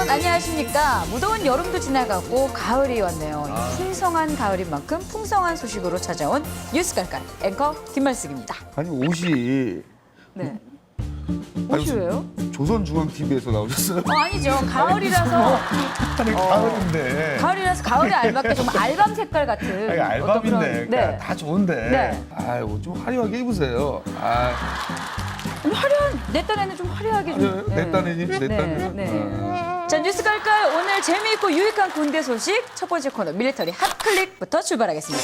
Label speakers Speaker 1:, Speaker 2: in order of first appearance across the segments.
Speaker 1: 안녕하십니까. 무더운 여름도 지나가고 가을이 왔네요. 풍성한 가을인 만큼 풍성한 소식으로 찾아온 뉴스 깔깔 앵커 김말숙입니다.
Speaker 2: 아니 옷이
Speaker 1: 네. 옷이 왜요?
Speaker 2: 조선중앙TV에서 나오셨어요?
Speaker 1: 아니죠. 가을이라서
Speaker 2: 아니 가을인데.
Speaker 1: 가을이라서 가을에 알맞게 좀 알밤 색깔 같은
Speaker 2: 아니,
Speaker 1: 어떤
Speaker 2: 알밤인데
Speaker 1: 그런-
Speaker 2: 그러니까
Speaker 1: 네.
Speaker 2: 다 좋은데.
Speaker 1: 네.
Speaker 2: 아이고 좀 화려하게 입으세요. 아,
Speaker 1: 좀 화려한 내 딴에는 좀 화려하게 좀.
Speaker 2: 내 딴에님, 내 딴에는.
Speaker 1: 네. 자, 뉴스 깔깔 오늘 재미있고 유익한 군대 소식 첫 번째 코너 밀리터리 핫클릭부터 출발하겠습니다.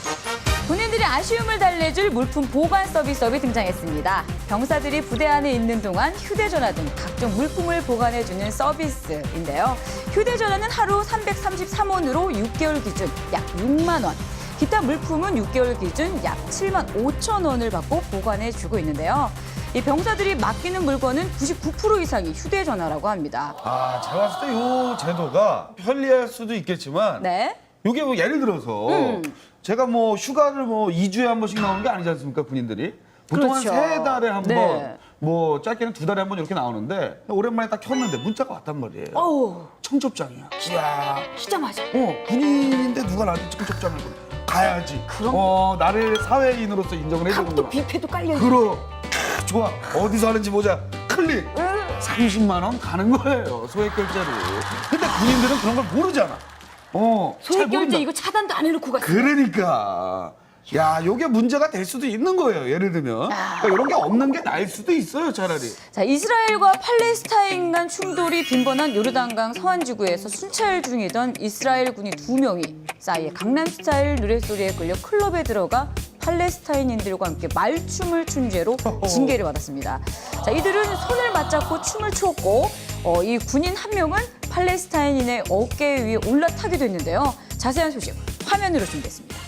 Speaker 1: 군인들이 아쉬움을 달래줄 물품 보관 서비스업이 등장했습니다. 병사들이 부대 안에 있는 동안 휴대전화 등 각종 물품을 보관해주는 서비스인데요. 휴대전화는 하루 333원으로 6개월 기준 약 6만 원. 기타 물품은 6개월 기준 약 7만 5천 원을 받고 보관해주고 있는데요. 이 병사들이 맡기는 물건은 99% 이상이 휴대전화라고 합니다.
Speaker 2: 아, 제가 봤을 때 이 제도가 편리할 수도 있겠지만
Speaker 1: 네.
Speaker 2: 이게 뭐 예를 들어서 제가 뭐 휴가를 뭐 2주에 한 번씩 나오는 게 아니지 않습니까, 군인들이? 보통
Speaker 1: 그렇죠.
Speaker 2: 한 3달에 한 번,
Speaker 1: 네.
Speaker 2: 뭐 짧게는 2달에 한 번 이렇게 나오는데 오랜만에 딱 켰는데 문자가 왔단 말이에요.
Speaker 1: 어우,
Speaker 2: 청첩장이야. 이야.
Speaker 1: 키자마자.
Speaker 2: 군인인데 누가 나한테 청첩장을 가야지.
Speaker 1: 그럼.
Speaker 2: 나를 사회인으로서 인정을
Speaker 1: 또
Speaker 2: 해주는구나.
Speaker 1: 뷔페도 깔려있고.
Speaker 2: 그럼 좋아. 어디서 하는지 보자. 클릭. 30만 원 가는 거예요. 소액 결제로. 근데 군인들은 그런 걸 모르잖아. 잘
Speaker 1: 소액 결제
Speaker 2: 모른다.
Speaker 1: 이거 차단도 안 해놓고 갔어요.
Speaker 2: 그러니까. 야, 요게 문제가 될 수도 있는 거예요. 예를 들면. 그러니까 이런 게 없는 게 나을 수도 있어요, 차라리.
Speaker 1: 자, 이스라엘과 팔레스타인 간 충돌이 빈번한 요르단강 서안지구에서 순찰 중이던 이스라엘 군이 2명이 싸이의 강남스타일 노랫소리에 끌려 클럽에 들어가 팔레스타인인들과 함께 말춤을 춘 죄로 징계를 받았습니다. 자, 이들은 손을 맞잡고 춤을 추었고 이 군인 한 명은 팔레스타인인의 어깨 위에 올라타기도 했는데요. 자세한 소식 화면으로 준비했습니다.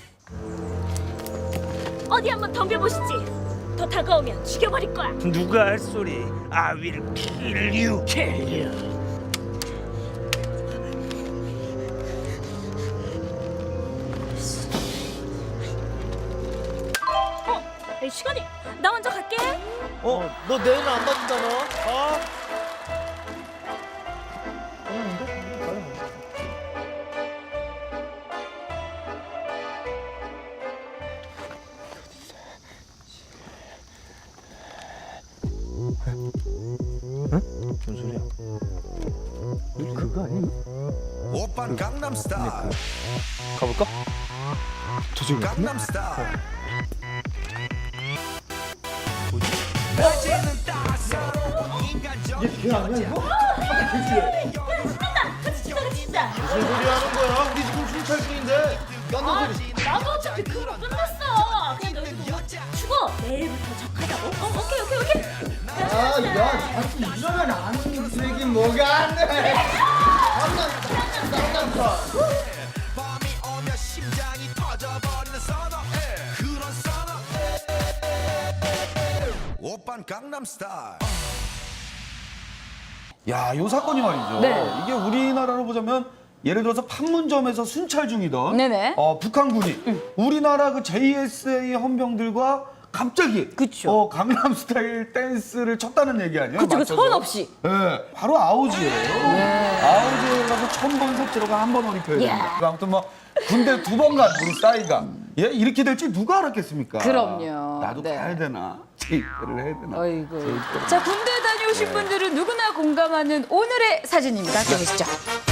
Speaker 3: 어디 한번 덤벼보시지. 더 다가오면 죽여버릴 거야.
Speaker 4: 누가 할 소리? I will kill you. Kill you.
Speaker 3: 시간이. 나 먼저 갈게.
Speaker 4: 너 내일 안 받는다 너? 무슨 소리야?
Speaker 2: 그거 아니야?
Speaker 5: 오빤 강남스타일
Speaker 4: 가볼까?
Speaker 2: 저쪽에
Speaker 5: 강남스타일
Speaker 3: 진짜.
Speaker 4: 무슨 소리 하는 거야? 우리 지금 순찰 중인데.
Speaker 3: 나도 어차피 그거 끝났어. 그냥 너희도 추고 내일부터 적하자고. 오케이.
Speaker 6: 야, 자꾸 이러면 안 되긴 뭐가 안 돼.
Speaker 5: 밤이 오면 심장이 터져버리는 선어해 그런 선어해 오빤 강남스타일
Speaker 2: 야, 요 사건이 말이죠.
Speaker 1: 네.
Speaker 2: 이게 우리나라로 보자면 예를 들어서 판문점에서 순찰 중이던
Speaker 1: 네네.
Speaker 2: 북한군이 우리나라 그 JSA 헌병들과 갑자기
Speaker 1: 그쵸.
Speaker 2: 강남 스타일 댄스를 췄다는 얘기 아니에요?
Speaker 1: 그쵸, 그
Speaker 2: 맞춰서?
Speaker 1: 선 없이.
Speaker 2: 네, 바로 아우지예요. 아우지에 가서 1000번 색지로가 한 번 올입혀야 됩니다.
Speaker 1: 야.
Speaker 2: 아무튼 뭐 군대 2번 간 우리 싸이가 이렇게 될지 누가 알았겠습니까?
Speaker 1: 그럼요.
Speaker 2: 나도
Speaker 1: 네.
Speaker 2: 가야 되나? 제입대를 해야 되나?
Speaker 1: 어이구. 자, 군대 다녀오신 분들은 누구나 공감하는 오늘의 사진입니다. 함께 보시죠.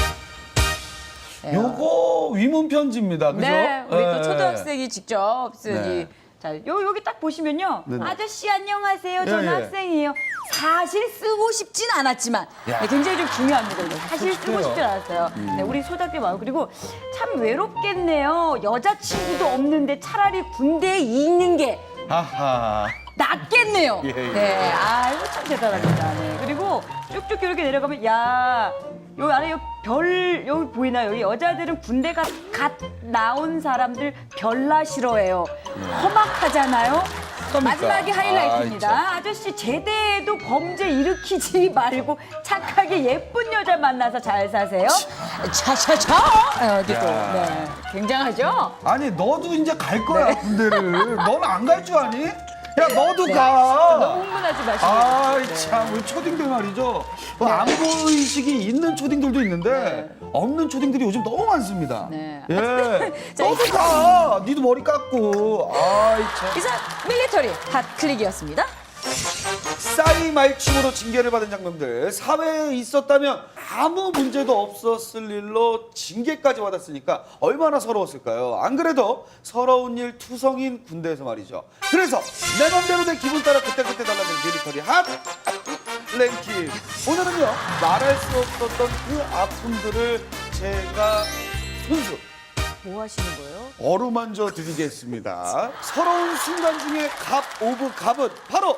Speaker 2: 요거 위문 편지입니다. 그죠?
Speaker 1: 네, 우리 또
Speaker 2: 네.
Speaker 1: 초등학생이 직접 쓴
Speaker 2: 네.
Speaker 1: 이. 자, 여기 딱 보시면요.
Speaker 2: 네네.
Speaker 1: 아저씨 안녕하세요. 저는
Speaker 2: 예, 예.
Speaker 1: 학생이에요. 사실 쓰고 싶진 않았지만
Speaker 2: 야.
Speaker 1: 네, 굉장히 좀 중요합니다. 이거. 사실 쓰고
Speaker 2: 솔직해요.
Speaker 1: 싶진 않았어요. 네, 우리 소작게 마음 그리고 참 외롭겠네요. 여자친구도 없는데 차라리 군대에 있는 게
Speaker 2: 하하.
Speaker 1: 낫겠네요.
Speaker 2: 예, 예.
Speaker 1: 네, 아 이거 참 대단합니다. 네. 그리고 쭉쭉 이렇게 내려가면 야 여기 안에 여기 보이나요? 여기 여자들은 군대가 갓 나온 사람들 별나 싫어해요. 험악하잖아요. 마지막이 하이라이트입니다. 아저씨 제대해도 범죄 일으키지 말고 착하게 예쁜 여자 만나서 잘 사세요. 차차차. 어디 또
Speaker 2: 야.
Speaker 1: 네, 굉장하죠?
Speaker 2: 아니 너도 이제 갈 거야 군대를. 넌 안 갈 줄 아니? 야 너도 가.
Speaker 1: 너무 흥분하지 마시고.
Speaker 2: 아이
Speaker 1: 네.
Speaker 2: 참 우리 초딩들 말이죠. 뭐 안보 의식이 있는 초딩들도 있는데 없는 초딩들이 요즘 너무 많습니다.
Speaker 1: 네.
Speaker 2: 예.
Speaker 1: 자,
Speaker 2: 너도 가. 니도 머리 깎고. 아이 참.
Speaker 1: 이상 밀리터리 핫클릭이었습니다.
Speaker 2: 싸이 말춤으로 징계를 받은 장면들 사회에 있었다면 아무 문제도 없었을 일로 징계까지 받았으니까 얼마나 서러웠을까요? 안 그래도 서러운 일 투성인 군대에서 말이죠. 그래서 내 맘대로 내 기분 따라 그때그때 달라진 밀리터리 핫 랭킹. 오늘은요 말할 수 없었던 그 아픔들을 제가 손수
Speaker 1: 뭐 하시는 거예요?
Speaker 2: 어루만져 드리겠습니다. 서러운 순간 중에 갑 오브 갑은 바로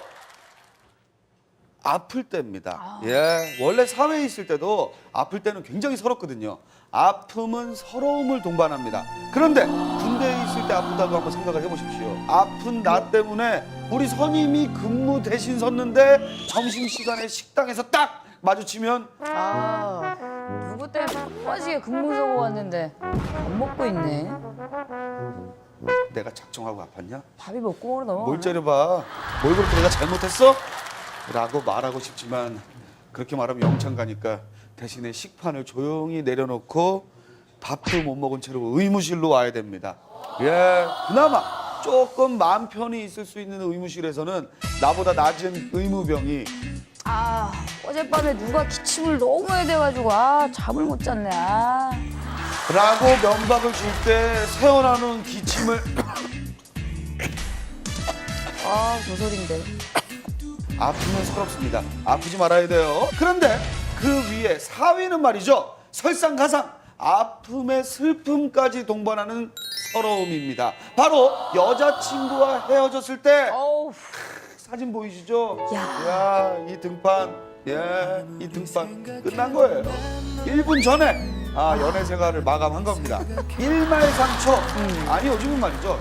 Speaker 2: 아플 때입니다. 예, 원래 사회에 있을 때도 아플 때는 굉장히 서럽거든요. 아픔은 서러움을 동반합니다. 그런데 군대에 있을 때 아프다고 한번 생각을 해보십시오. 아픈 나 때문에 우리 선임이 근무 대신 섰는데 점심시간에 식당에서 딱 마주치면
Speaker 1: 아, 누구 때문에 빠지게 근무서고 왔는데 밥 먹고 있네.
Speaker 2: 내가 작정하고 아팠냐?
Speaker 1: 밥이 먹고 넘어가.
Speaker 2: 뭘 째려봐. 뭘 그렇게 내가 잘못했어? 라고 말하고 싶지만 그렇게 말하면 영창 가니까 대신에 식판을 조용히 내려놓고 밥도 못 먹은 채로 의무실로 와야 됩니다. 예, 그나마 조금 마음 편히 있을 수 있는 의무실에서는 나보다 낮은 의무병이
Speaker 1: 아, 어젯밤에 누가 기침을 너무 해야 돼가지고 잠을 못 잤네.
Speaker 2: 라고 면박을 줄 때 새어나오는 기침을
Speaker 1: 저 소린데.
Speaker 2: 아프면 서럽습니다. 아프지 말아야 돼요. 그런데 그 위에 4위는 말이죠. 설상가상 아픔의 슬픔까지 동반하는 서러움입니다. 바로 여자친구와 헤어졌을 때
Speaker 1: 어우,
Speaker 2: 사진 보이시죠?
Speaker 1: 야.
Speaker 2: 이 등판, 이 등판 끝난 거예요. 1분 전에 연애 생활을 마감한 겁니다. 1말상초, 아니 요즘은 말이죠.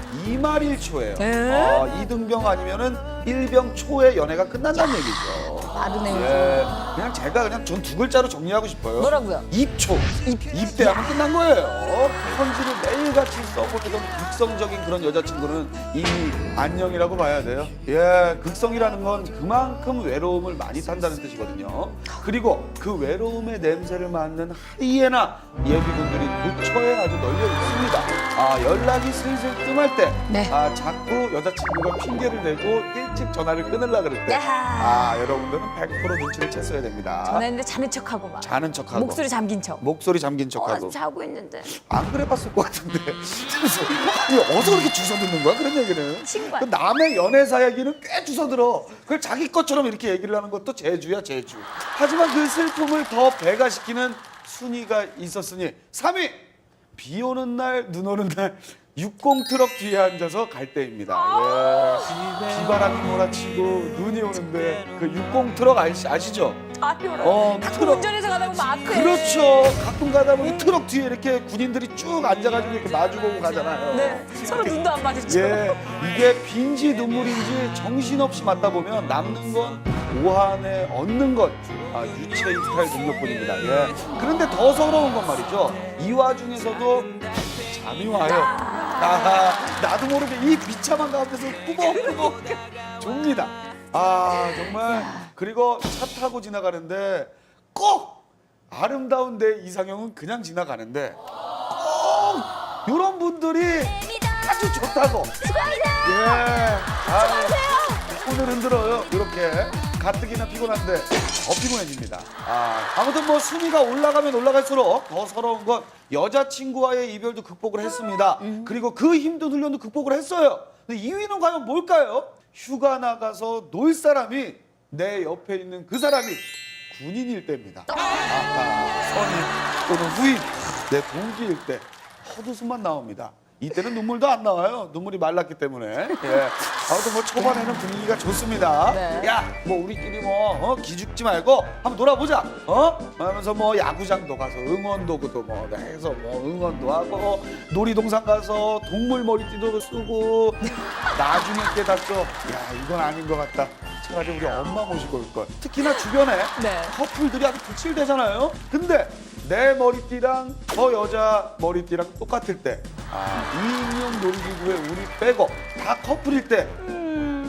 Speaker 2: 2말1초예요. 이등병 아니면은 1병 초에 연애가 끝난다는 얘기죠.
Speaker 1: 빠르네요.
Speaker 2: 예, 그냥 제가 그냥 전 두 글자로 정리하고 싶어요.
Speaker 1: 뭐라고요?
Speaker 2: 입초. 입대하면 끝난 거예요. 편지를 매일같이 써보내던 극성적인 그런 여자친구는 이미 안녕이라고 봐야 돼요. 예, 극성이라는 건 그만큼 외로움을 많이 탄다는 뜻이거든요. 그리고 그 외로움의 냄새를 맡는 하이에나 예비군들이 부처에 아주 널려 있습니다. 연락이 슬슬 뜸할 때,
Speaker 1: 네.
Speaker 2: 자꾸 여자친구가 핑계를 내고 일찍 전화를 끊으려고 그럴 때,
Speaker 1: 야.
Speaker 2: 여러분들은 100% 눈치를 챘어야 됩니다.
Speaker 1: 전화했는데 자는 척하고 막.
Speaker 2: 자는 척하고
Speaker 1: 목소리 잠긴 척.
Speaker 2: 목소리 잠긴 척하고
Speaker 1: 자고 있는데.
Speaker 2: 안 그래봤을 것 같은데 그래서 아니, 어디서 그렇게 주워 듣는 거야 그런 얘기는.
Speaker 1: 친구야.
Speaker 2: 그 남의 연애사 얘기는 꽤 주워 들어. 그걸 자기 것처럼 이렇게 얘기를 하는 것도 재주야 재주. 하지만 그 슬픔을 더 배가시키는 순위가 있었으니 3위 비 오는 날 눈 오는 날 60 트럭 뒤에 앉아서 갈 때입니다. 예. 비바람이 몰아치고 눈이 오는데 그 60 트럭 아시죠? 트럭.
Speaker 1: 운전해서 가다 보면 앞에.
Speaker 2: 그렇죠. 가끔 가다 보면 트럭 뒤에 이렇게 군인들이 쭉 앉아가지고 이렇게 마주보고 가잖아요.
Speaker 1: 네. 서로 눈도 안 마주쳐.
Speaker 2: 예, 이게 빈지 눈물인지 정신없이 맞다 보면 남는 건 오한에 얻는 것 유체 이탈 능력뿐입니다. 예. 그런데 더 서러운 건 말이죠. 이 와중에서도 잠이 와요. 나도 모르게 이 비참한 가운데서 꾸벅꾸벅 줍니다. 정말. 그리고 차 타고 지나가는데 꼭 아름다운 내 이상형은 그냥 지나가는데 꼭 이런 분들이 아주 좋다고. 수고하세요. 손을 흔들어요. 이렇게 가뜩이나 피곤한데 더 피곤해집니다. 아무튼 뭐 순위가 올라가면 올라갈수록 더 서러운 건 여자친구와의 이별도 극복을 했습니다. 그리고 그 힘든 훈련도 극복을 했어요. 근데 2위는 과연 뭘까요? 휴가 나가서 놀 사람이 내 옆에 있는 그 사람이 군인일 때입니다. 선임 또는 후임, 내 동기일 때 헛웃음만 나옵니다. 이때는 눈물도 안 나와요. 눈물이 말랐기 때문에. 예. 아무튼 뭐 초반에는 분위기가 좋습니다.
Speaker 1: 네.
Speaker 2: 야, 뭐 우리끼리 뭐 기죽지 말고 한번 놀아보자. 하면서 뭐 야구장도 가서 응원도구도 뭐 해서 뭐 응원도 하고 놀이동산 가서 동물 머리띠도 쓰고 나중에 깨닫죠. 야, 이건 아닌 것 같다. 차라리 우리 엄마 모시고 올 걸. 특히나 주변에
Speaker 1: 네.
Speaker 2: 커플들이 아주 불칠되잖아요. 근데 내 머리띠랑 저 여자 머리띠랑 똑같을 때 2인용 놀이기구에 우리 빼고 다 커플일 때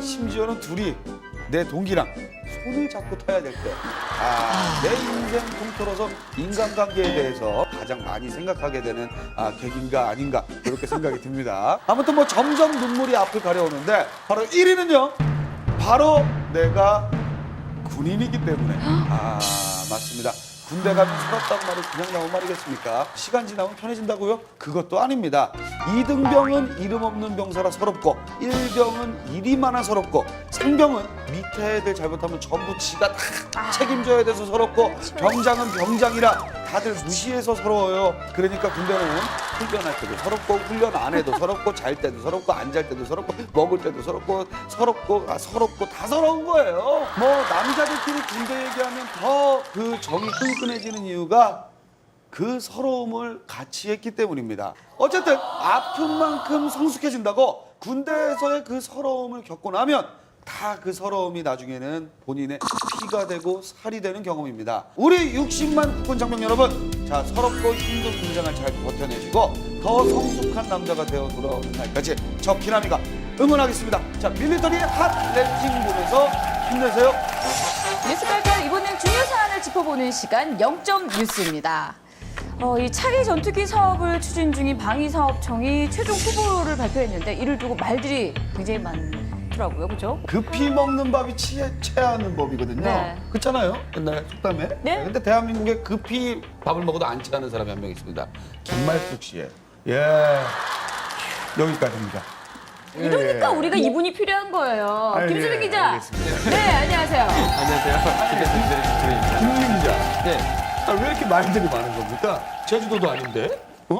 Speaker 2: 심지어는 둘이 내 동기랑 손을 잡고 타야 될 때, 내 인생 통틀어서 인간관계에 대해서 가장 많이 생각하게 되는 계기인가 아닌가 그렇게 생각이 듭니다. 아무튼 뭐 점점 눈물이 앞을 가려오는데 바로 1위는요. 바로 내가 군인이기 때문에. 맞습니다. 군대 가면 서럽단 말이 그냥 나온 말이겠습니까? 시간 지나면 편해진다고요? 그것도 아닙니다. 2등병은 이름 없는 병사라 서럽고 1병은 일이 많아 서럽고 3병은 밑에 애들 잘못하면 전부 지가 다 책임져야 돼서 서럽고 병장은 병장이라 다들 무시해서 서러워요. 그러니까 군대는 훈련할 때도 서럽고 훈련 안 해도 서럽고 잘 때도 서럽고 안 잘 때도 서럽고 먹을 때도 서럽고 서럽고 다 서러운 거예요. 뭐 남자들끼리 군대 얘기하면 더 그 정이 끈끈해지는 이유가 그 서러움을 같이 했기 때문입니다. 어쨌든 아픈 만큼 성숙해진다고 군대에서의 그 서러움을 겪고 나면 다 그 서러움이 나중에는 본인의 피가 되고 살이 되는 경험입니다. 우리 60만 국군 장병 여러분, 자 서럽고 힘든 군장을 잘 버텨내시고 더 성숙한 남자가 되어 돌아오는 날까지 저 기남이가 응원하겠습니다. 자 밀리터리 핫레팅 보면서 힘내세요.
Speaker 1: 뉴스 깔깔 이번엔 중요 사안을 짚어보는 시간 0점 뉴스입니다. 이 차기 전투기 사업을 추진 중인 방위사업청이 최종 후보를 발표했는데 이를 두고 말들이 굉장히 많더라고요, 그렇죠?
Speaker 2: 급히 먹는 밥이 체하는 법이거든요.
Speaker 1: 네.
Speaker 2: 그렇잖아요. 옛날 속담에.
Speaker 1: 네.
Speaker 2: 근데 대한민국에 급히 밥을 먹어도 안 체하는 사람이 한 명 있습니다. 김말숙 씨의. 예. 여기까지입니다.
Speaker 1: 이러니까 우리가 이분이 필요한 거예요. 김수빈 기자.
Speaker 2: 알겠습니다.
Speaker 1: 네, 안녕하세요.
Speaker 7: 안녕하세요. 김대중
Speaker 2: 김민 기자.
Speaker 7: 네.
Speaker 2: 왜 이렇게 말들이 많은 겁니까? 제주도도 아닌데? 어?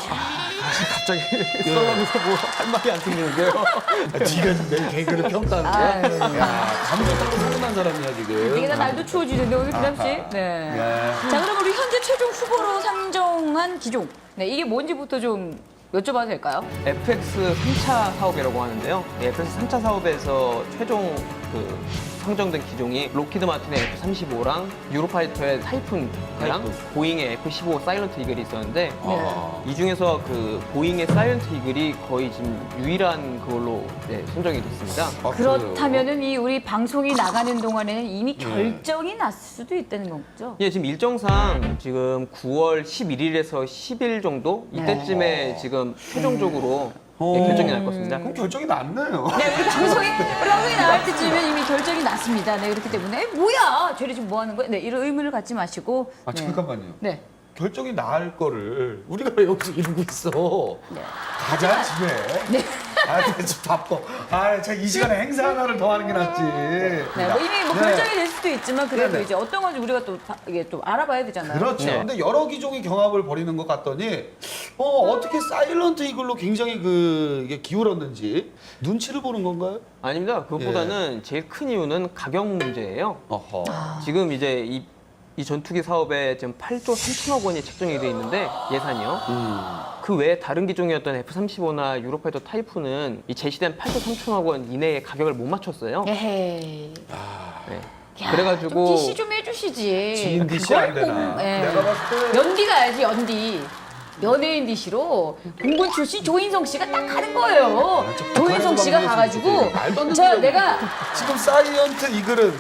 Speaker 7: 갑자기 썰렁해서 뭐 할 말이 안 생기는데요.
Speaker 2: 네가 지금 내 개그를 평가하는 거야? 야, 감독하고 서운한 사람이야 지금.
Speaker 1: 이게 다 날도 추워지는데 오늘 기남 씨. 네. 자, 그럼 우리 현재 최종 후보로 상정한 기종. 네, 이게 뭔지부터 좀 여쭤봐도 될까요?
Speaker 7: FX 3차 사업이라고 하는데요. 이 FX 3차 사업에서 최종 상정된 기종이 로키드 마틴의 F-35랑 유로파이터의 타이푼이랑 보잉의 F-15 사일런트 이글이 있었는데 이 중에서 그 보잉의 사일런트 이글이 거의 지금 유일한 그걸로 선정이 됐습니다.
Speaker 1: 그렇다면은 이 우리 방송이 나가는 동안에는 이미 결정이 났을 수도 있다는 거죠?
Speaker 7: 예, 지금 일정상 지금 9월 11일에서 10일 정도 이때쯤에 지금 최종적으로 결정이 날 것입니다.
Speaker 2: 그럼 결정이 났네요.
Speaker 1: 네, 우리 방송이 나갈 때쯤이면 이미 결정이 났습니다. 네, 그렇기 때문에 뭐야, 쟤네 지금 뭐 하는 거야? 네, 이런 의문을 갖지 마시고. 네.
Speaker 2: 잠깐만요.
Speaker 1: 네.
Speaker 2: 결정이 날 거를 우리가 왜 여기서 이러고 있어?
Speaker 1: 네.
Speaker 2: 가자 집에.
Speaker 1: 네.
Speaker 2: 지금 바빠. 제가 이 시간에 행사 하나를 더 하는 게 낫지.
Speaker 1: 네, 뭐 이미 뭐
Speaker 2: 네.
Speaker 1: 결정이 될 수도 있지만 그래도
Speaker 2: 네네.
Speaker 1: 이제 어떤 건지 우리가 또 이게 또 알아봐야 되잖아요.
Speaker 2: 그렇죠.
Speaker 7: 네.
Speaker 2: 근데 여러 기종의 경합을 벌이는 것 같더니 어떻게 사일런트 이글로 굉장히 이게 기울었는지 눈치를 보는 건가요?
Speaker 7: 아닙니다. 그것보다는 제일 큰 이유는 가격 문제예요.
Speaker 2: 어허.
Speaker 7: 지금 이제 이 전투기 사업에 지금 8조 3천억 원이 책정이 돼 있는데 예산이요. 그 외에 다른 기종이었던 F-35나 유로파이터 타이푼은 이 제시된 8조 3천억 원 이내의 가격을 못 맞췄어요.
Speaker 1: 에헤이.
Speaker 7: 네.
Speaker 1: 야,
Speaker 7: 그래가지고
Speaker 1: 좀 DC 좀 해주시지.
Speaker 2: 지인 DC 안 되나?
Speaker 1: 예.
Speaker 2: 내가 봤을 때
Speaker 1: 연디 가야지, 연디. 연예인 DC로 공군 출신 조인성 씨가 딱 하는 거예요. 조인성 씨가 가가지고
Speaker 2: 말도 안 되는
Speaker 1: 자,
Speaker 2: 소리야.
Speaker 1: 내가
Speaker 2: 지금 사이언트 이글은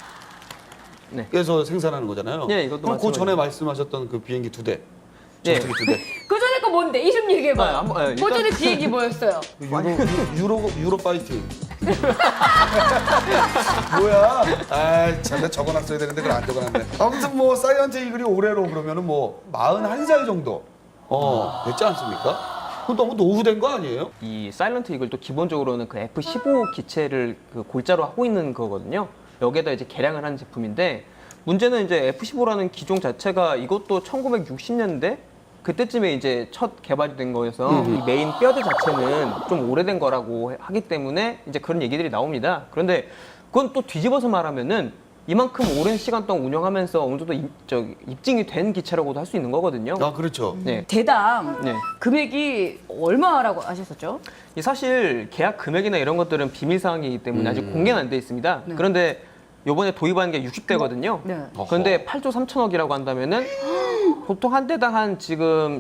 Speaker 2: 미국에서
Speaker 7: 네.
Speaker 2: 생산하는 거잖아요.
Speaker 7: 네, 이것도
Speaker 2: 그럼 그
Speaker 7: 마찬가지로.
Speaker 2: 전에 말씀하셨던 그 비행기 2대,
Speaker 7: 네.
Speaker 2: 전투기 2대.
Speaker 1: 그 전에 거 뭔데? 이름 얘기해봐.
Speaker 7: 일단-
Speaker 1: 그 전에 비행기 뭐였어요?
Speaker 2: 유로 파이팅. 뭐야? 참, 내가 적어놨어야 되는데 그걸 안 적어놨네. 아무튼 뭐 사이언트 이글이 올해로 그러면은 뭐 41살 정도 됐지 않습니까? 그건 너무 노후된 거 아니에요?
Speaker 7: 이 사일런트 이글도 기본적으로는 그 F-15 기체를 그 골자로 하고 있는 거거든요. 여기에다 이제 개량을 한 제품인데 문제는 이제 F-15라는 기종 자체가 이것도 1960년대 그때쯤에 이제 첫 개발이 된 거여서 이 메인 뼈대 자체는 좀 오래된 거라고 하기 때문에 이제 그런 얘기들이 나옵니다. 그런데 그건 또 뒤집어서 말하면은 이만큼 오랜 시간 동안 운영하면서 어느 정도 입증이 된 기체라고도 할 수 있는 거거든요.
Speaker 2: 아 그렇죠.
Speaker 7: 네.
Speaker 1: 대당
Speaker 7: 네.
Speaker 1: 금액이 얼마라고 하셨었죠?
Speaker 7: 이 사실 계약 금액이나 이런 것들은 비밀 사항이기 때문에 아직 공개는 안 돼 있습니다.
Speaker 1: 네.
Speaker 7: 그런데 이번에 도입한 게 60대거든요.
Speaker 1: 네.
Speaker 7: 그런데 8조 3천억이라고 한다면은 보통 한 대당 한 지금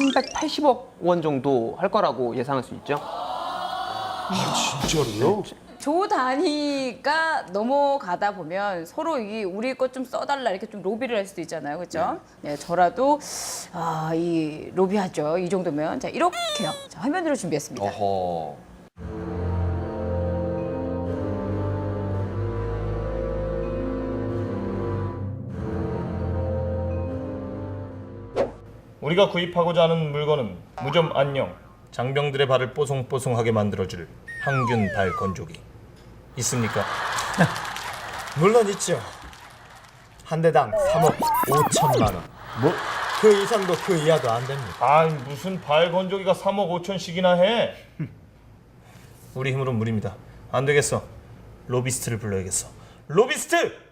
Speaker 7: 1,380억 원 정도 할 거라고 예상할 수 있죠.
Speaker 2: 진짜로요?
Speaker 1: 조 단위가 넘어가다 보면 서로 이 우리 것 좀 써달라 이렇게 좀 로비를 할 수도 있잖아요, 그렇죠? 네, 저라도 이 로비하죠. 이 정도면 자 이렇게요. 자, 화면으로 준비했습니다.
Speaker 2: 어허.
Speaker 8: 우리가 구입하고자 하는 물건은 무좀 안녕, 장병들의 발을 뽀송뽀송하게 만들어줄 항균 발 건조기 있습니까?
Speaker 6: 물론 있죠. 한 대당 3억 5천만 원. 뭐? 그 이상도 그 이하도 안 됩니다.
Speaker 8: 아이 무슨 발 건조기가 3억 5천씩이나 해? 우리 힘으로는 무리입니다. 안 되겠어. 로비스트를 불러야겠어. 로비스트!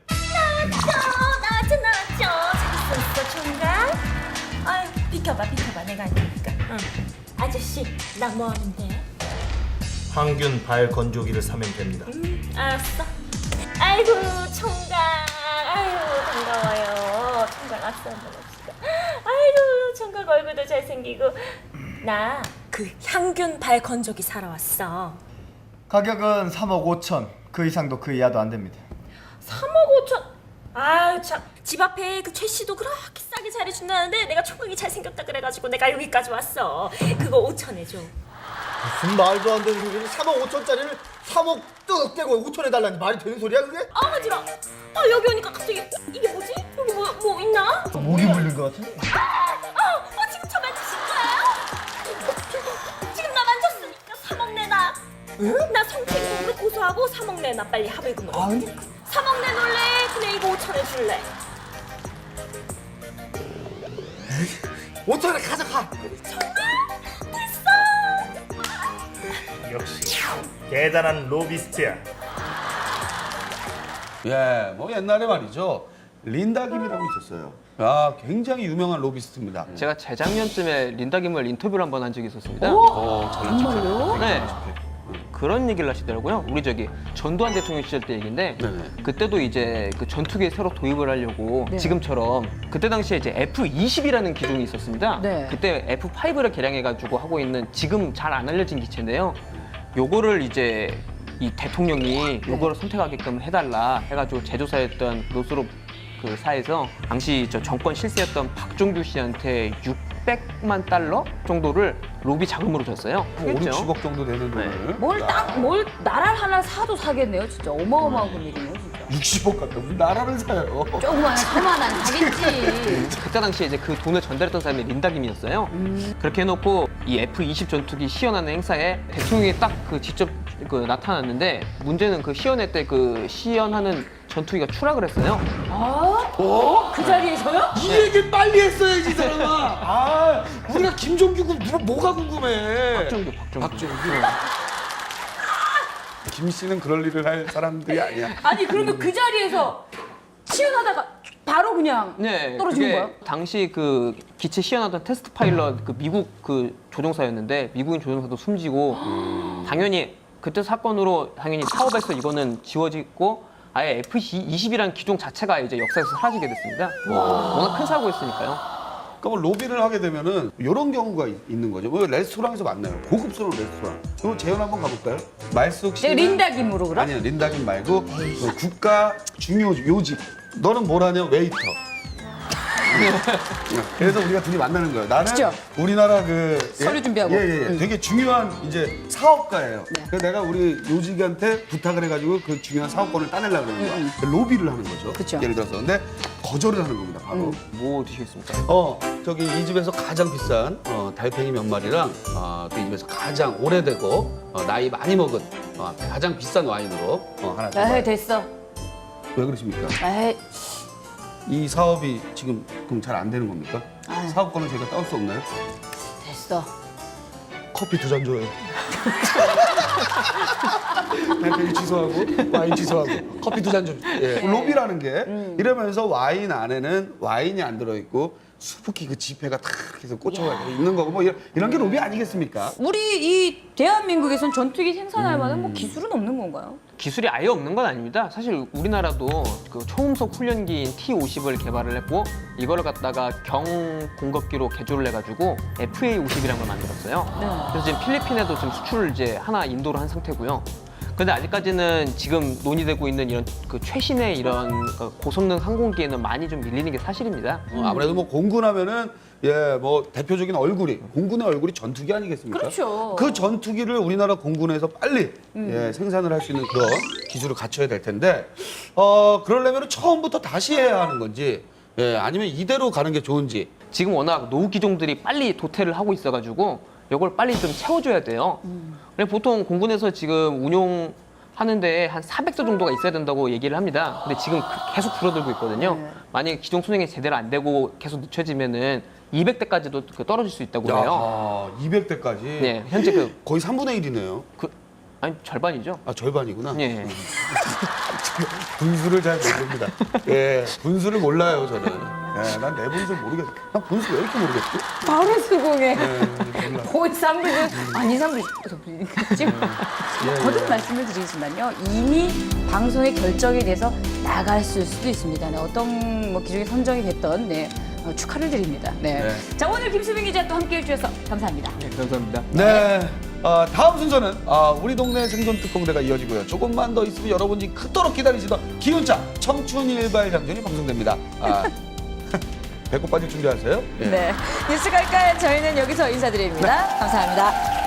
Speaker 3: 나왔죠. 잘 있었어, 총각. 아유, 비켜봐, 내가 아니니까. 응. 아저씨, 나 뭐 하는데?
Speaker 8: 항균 발 건조기를 사면 됩니다.
Speaker 3: 알았어. 아이고, 총각. 아유, 반가워요. 총각 악수 한번 합시다. 아이고, 총각 얼굴도 잘생기고. 나 그 향균 발 건조기 사러 왔어.
Speaker 6: 가격은 3억 5천. 그 이상도 그 이하도 안 됩니다.
Speaker 3: 3억 5천. 아유 참. 집 앞에 그 최 씨도 그렇게 싸게 잘해준다는데 내가 총각이 잘생겼다 그래가지고 내가 여기까지 왔어. 그거 5천에 줘.
Speaker 6: 무슨 말도 안 되는 소리를 3억 5천짜리를 3억 뚝 떼고 5천 해달라니 말이 되는 소리야 그게?
Speaker 3: 어지러. 여기 오니까 갑자기 이게 뭐지? 여기 뭐 있나?
Speaker 6: 목이 물린 것 같은데?
Speaker 3: 지금 저 만지신 거예요? 지금 나 만졌으니까 3억 내놔. 나 성추행으로 고소하고 3억 내놔. 빨리 합의금으로. 3억 내놓을래? 그냥 이거 5천에 줄래?
Speaker 6: 5천에 가져가.
Speaker 8: 역시 대단한 로비스트야.
Speaker 2: 예, 뭐 옛날에 말이죠. 린다 김이라고 있었어요. 굉장히 유명한 로비스트입니다.
Speaker 7: 제가 재작년쯤에 린다 김을 인터뷰를 한번 한 적이 있었습니다.
Speaker 1: 정말요?
Speaker 7: 네. 그런 얘기를 하시더라고요. 우리 전두환 대통령 시절 때 얘기인데
Speaker 2: 네네.
Speaker 7: 그때도 이제 그 전투기에 새로 도입을 하려고
Speaker 1: 네.
Speaker 7: 지금처럼 그때 당시에 이제 F-20이라는 기종이 있었습니다.
Speaker 1: 네.
Speaker 7: 그때 F-5를 개량해가지고 하고 있는 지금 잘 안 알려진 기체인데요. 요거를 이제 이 대통령이 요거를 선택하게끔 해달라 해가지고 제조사였던 노스롭 그 사에서 당시 저 정권 실세였던 박종규 씨한테 600만 달러 정도를 로비 자금으로 줬어요.
Speaker 2: 5, 60억 정도 되는 돈을.
Speaker 1: 뭘 나라를 하나 사도 사겠네요, 진짜 어마어마한 금액이네요, 진짜.
Speaker 2: 60억 갖다 무슨 나라를 사요.
Speaker 1: 조그마한 서만한 사겠지.
Speaker 7: 그때 당시에 이제 그 돈을 전달했던 사람이 린다김이었어요. 그렇게 해놓고 이 F-20 전투기 시연하는 행사에 대통령이 딱 그 직접 그 나타났는데 문제는 그 시연회 때 그 시연하는 전투기가 추락을 했어요.
Speaker 1: 그 자리에서요?
Speaker 2: 이 얘기를 빨리 했어야지, 이 사람아. 우리가 김종규 뭐가 궁금해.
Speaker 7: 박정규.
Speaker 2: 김 씨는 그럴 일을 할 사람들이 아니야.
Speaker 1: 아니 그러면 그 자리에서 시연하다가 바로 그냥
Speaker 7: 네,
Speaker 1: 떨어지는
Speaker 7: 그게
Speaker 1: 거야?
Speaker 7: 당시 그 기체 시연하던 테스트 파일럿 그 미국 그 조종사였는데 미국인 조종사도 숨지고 당연히 그때 사건으로 당연히 사업에서 이거는 지워지고 아예 F-20이라는 기종 자체가 이제 역사에서 사라지게 됐습니다. 워낙 큰 사고였으니까요.
Speaker 2: 그러면 로비를 하게 되면은 이런 경우가 있는 거죠. 뭐 레스토랑에서 만나요. 고급스러운 레스토랑. 이거 재현 한번 가볼까요? 말숙 씨.
Speaker 1: 린다 김으로 그럼?
Speaker 2: 아니야, 린다 김 말고 그 국가 중요 요직. 너는 뭘 하냐? 웨이터. 그래서 우리가 둘이 만나는 거예요. 나는
Speaker 1: 그죠?
Speaker 2: 우리나라 그
Speaker 1: 서류 준비하고.
Speaker 2: 되게 중요한 이제 사업가예요. 그래서 내가 우리 요직한테 부탁을 해가지고 그 중요한 사업권을 따내려고 그러는 거야. 로비를 하는 거죠.
Speaker 1: 그쵸.
Speaker 2: 예를 들어서. 근데 거절을 하는 겁니다. 바로.
Speaker 7: 뭐 드시겠습니까?
Speaker 2: 저기 이 집에서 가장 비싼 달팽이 몇 마리랑 또 이 집에서 가장 오래되고 나이 많이 먹은 가장 비싼 와인으로 하나
Speaker 1: 에이
Speaker 2: 줘봐요.
Speaker 1: 됐어.
Speaker 2: 왜 그러십니까?
Speaker 1: 에이
Speaker 2: 이 사업이 지금 그럼 잘 안 되는 겁니까?
Speaker 1: 아유.
Speaker 2: 사업권을 저희가 따올 수 없나요?
Speaker 1: 됐어.
Speaker 2: 커피 2잔 줘요. 달팽이 취소하고 와인 취소하고 커피 2잔 좀. 예. 로비라는 게 이러면서 와인 안에는 와인이 안 들어있고 수북히 그 지폐가 탁 해서 꽂혀가 있는 거고 뭐 이런 게 로비 아니겠습니까?
Speaker 1: 우리 이 대한민국에선 전투기 생산할 만한 뭐 기술은 없는 건가요?
Speaker 7: 기술이 아예 없는 건 아닙니다. 사실 우리나라도 그 초음속 훈련기인 T-50을 개발을 했고 이거를 갖다가 경공급기로 개조를 해가지고 FA-50이라는 걸 만들었어요.
Speaker 1: 네.
Speaker 7: 그래서 지금 필리핀에도 지금 수출을 이제 하나 인도를 한 상태고요. 근데 아직까지는 지금 논의되고 있는 이런 그 최신의 이런 그 고성능 항공기에는 많이 좀 밀리는 게 사실입니다.
Speaker 2: 아무래도 뭐 공군하면은 뭐 대표적인 얼굴이 공군의 얼굴이 전투기 아니겠습니까?
Speaker 1: 그렇죠.
Speaker 2: 그 전투기를 우리나라 공군에서 빨리 생산을 할 수 있는 그런 기술을 갖춰야 될 텐데 그러려면 처음부터 다시 해야 하는 건지 아니면 이대로 가는 게 좋은지.
Speaker 7: 지금 워낙 노후 기종들이 빨리 도태를 하고 있어가지고 이걸 빨리 좀 채워줘야 돼요. 근데 보통 공군에서 지금 운용하는데 한 400대 정도가 있어야 된다고 얘기를 합니다. 근데 지금 계속 줄어들고 있거든요. 만약에 기종 수행이 제대로 안 되고 계속 늦춰지면은 200대까지도 떨어질 수 있다고 해요.
Speaker 2: 200대까지.
Speaker 7: 네, 현재
Speaker 2: 거의 3분의 1이네요.
Speaker 7: 아니 절반이죠.
Speaker 2: 아, 절반이구나.
Speaker 7: 예.
Speaker 2: 분수를 잘 모릅니다. 분수를 몰라요, 저는. 난 내 분수를 모르겠어. 난 분수 왜 이렇게 모르겠지?
Speaker 1: 바로 수긍해.
Speaker 2: 몰라.
Speaker 1: 거의 3분의 아니 3분의 지금 거듭 말씀을 드리지만요. 이미 방송의 결정에 대해서 나갔을 수도 있습니다. 네, 어떤 뭐 기종이 선정이 됐던 축하를 드립니다. 네. 자, 오늘 김수빈 기자 또 함께해 주셔서 감사합니다.
Speaker 7: 네, 감사합니다.
Speaker 2: 네. 다음 순서는 우리 동네 생존 특공대가 이어지고요. 조금만 더 있으면 여러분이 그토록 기다리시던 기운차 청춘 일발장전이 방송됩니다. 배꼽 빠질 준비하세요.
Speaker 1: 네. 뉴스 갈까요? 저희는 여기서 인사드립니다. 감사합니다.